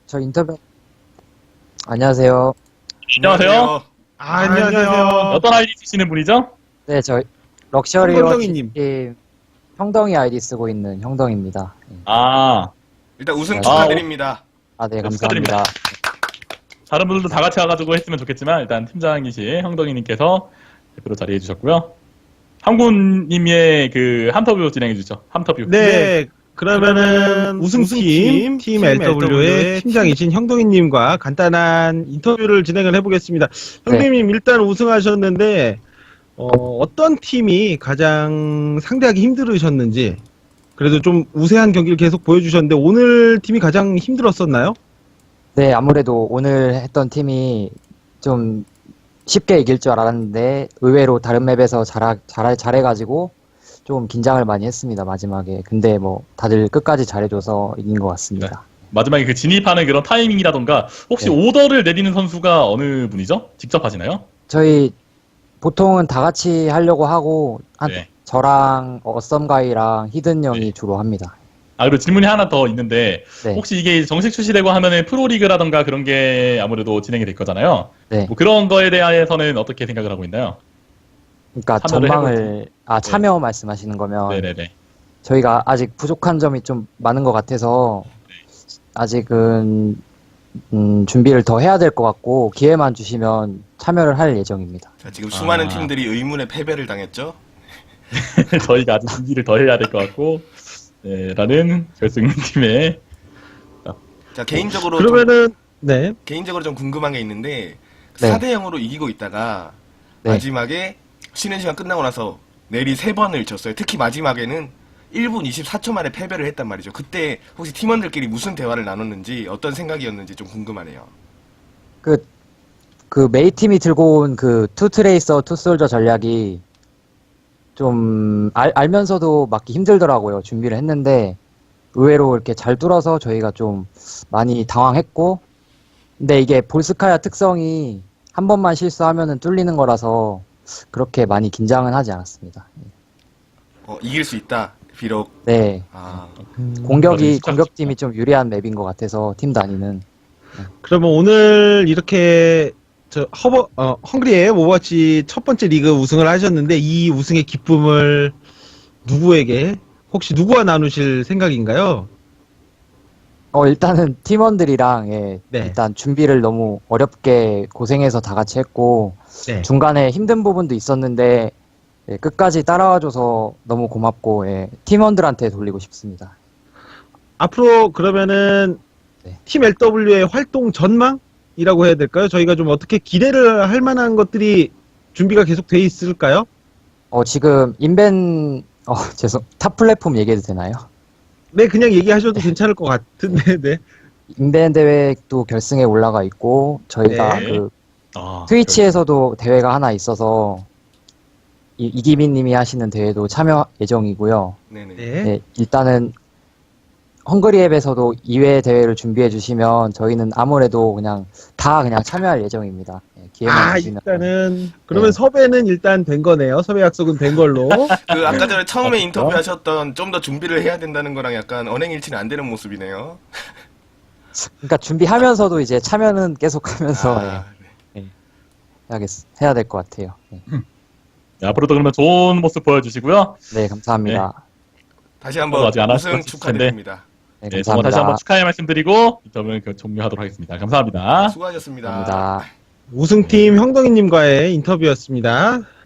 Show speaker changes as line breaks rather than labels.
저 인터뷰, 안녕하세요.
안녕하세요.
안녕하세요.
어떤 아이디 쓰시는 분이죠?
네, 저 럭셔리워
형덩이님.
팀 형덩이 아이디 쓰고 있는 형덩입니다.
아,
일단 우승
아,
축하드립니다.
아, 네,
네,
감사합니다.
다른 분들도 다 같이 와가지고 했으면 좋겠지만 일단 팀장이신 형덕이님께서 대표로 자리해 주셨고요. 항군님의 그 함터뷰 진행해 주죠. 함터뷰.
네, 그러면은 우승팀 팀 LW의 팀장이신 형동희님과 간단한 인터뷰를 진행을 해보겠습니다. 형동희님 일단 우승하셨는데 어떤 팀이 가장 상대하기 힘들으셨는지, 그래도 좀 우세한 경기를 계속 보여주셨는데 오늘 팀이 가장 힘들었었나요?
네, 아무래도 오늘 했던 팀이 좀 쉽게 이길 줄 알았는데 의외로 다른 맵에서 잘해가지고 좀 긴장을 많이 했습니다, 마지막에. 근데 뭐 다들 끝까지 잘해줘서 이긴 것 같습니다.
마지막에 그 진입하는 그런 타이밍이라던가 혹시
네.
오더를 내리는 선수가 어느 분이죠? 직접 하시나요?
저희 보통은 다 같이 하려고 하고
네.
저랑 어썸가이랑 히든 형이
네.
주로 합니다.
아, 그리고 질문이 하나 더 있는데
네.
혹시 이게 정식 출시되고 하면은 프로리그라던가 그런 게 아무래도 진행이 될 거잖아요.
네.
뭐 그런 거에 대해서는 어떻게 생각을 하고 있나요?
그러니까
참여를
전망을 참여 말씀하시는 거면
네네네.
저희가 아직 부족한 점이 좀 많은 것 같아서 아직은 준비를 더 해야 될 것 같고 기회만 주시면 참여를 할 예정입니다.
자, 지금 수많은
아.
팀들이 의문의 패배를 당했죠.
저희가 아직 준비를 더 해야 될 것 같고, 네, 라는 결승팀의
자, 개인적으로
그러면은 네,
좀 궁금한 게 있는데
네.
4대 0으로 이기고 있다가
네.
마지막에 쉬는 시간 끝나고 나서 내리 3번을 졌어요. 특히 마지막에는 1분 24초 만에 패배를 했단 말이죠. 그때 혹시 팀원들끼리 무슨 대화를 나눴는지 어떤 생각이었는지 좀 궁금하네요.
그 메이 팀이 들고 온 그 투트레이서 투솔저 전략이 좀 알면서도 맞기 힘들더라고요. 준비를 했는데 의외로 이렇게 잘 뚫어서 저희가 좀 많이 당황했고, 근데 이게 볼스카야 특성이 한 번만 실수하면은 뚫리는 거라서 그렇게 많이 긴장은 하지 않았습니다.
이길 수 있다. 비록
네,
아,
공격팀이 좀 유리한 맵인 것 같아서 팀 단위는.
그러면 오늘 이렇게 헝그리의 오버워치 첫 번째 리그 우승을 하셨는데 이 우승의 기쁨을 누구에게, 혹시 누구와 나누실 생각인가요?
일단은 팀원들이랑
네.
일단 준비를 너무 어렵게 고생해서 다 같이 했고
네.
중간에 힘든 부분도 있었는데 끝까지 따라와줘서 너무 고맙고 팀원들한테 돌리고 싶습니다.
앞으로 그러면은
네.
팀 LW의 활동 전망이라고 해야 될까요? 저희가 좀 어떻게 기대를 할 만한 것들이 준비가 계속 돼 있을까요?
지금 탑 플랫폼 얘기해도 되나요?
네, 그냥 얘기하셔도 괜찮을 것 같은데, 네.
인벤 대회도 결승에 올라가 있고 저희가
네.
그
아,
트위치에서도 대회가 하나 있어서 이기민 님이 하시는 대회도 참여 예정이고요.
네네.
네.
네, 일단은 헝그리 앱에서도 2회 대회를 준비해 주시면 저희는 아무래도 그냥 참여할 예정입니다. 기회만 주시면.
일단은 그러면
네.
섭외는 일단 된 거네요. 섭외 약속은 된 걸로.
그 아까 전에 처음에
아,
인터뷰 하셨던 좀 더 준비를 해야 된다는 거랑 약간 언행일치는 안 되는 모습이네요.
그러니까 준비하면서도 이제 참여는 계속하면서
아,
해야 될 것 같아요. 네.
네, 앞으로도 그러면 좋은 모습 보여주시고요.
네, 감사합니다.
다시 한번
아직 안
우승
하셨을
축하드립니다.
네,
네, 정말 다시
감사합니다.
한번 축하의 말씀드리고 인터뷰는 종료하도록 하겠습니다. 감사합니다.
수고하셨습니다.
감사합니다.
우승팀 형동희님과의 인터뷰였습니다.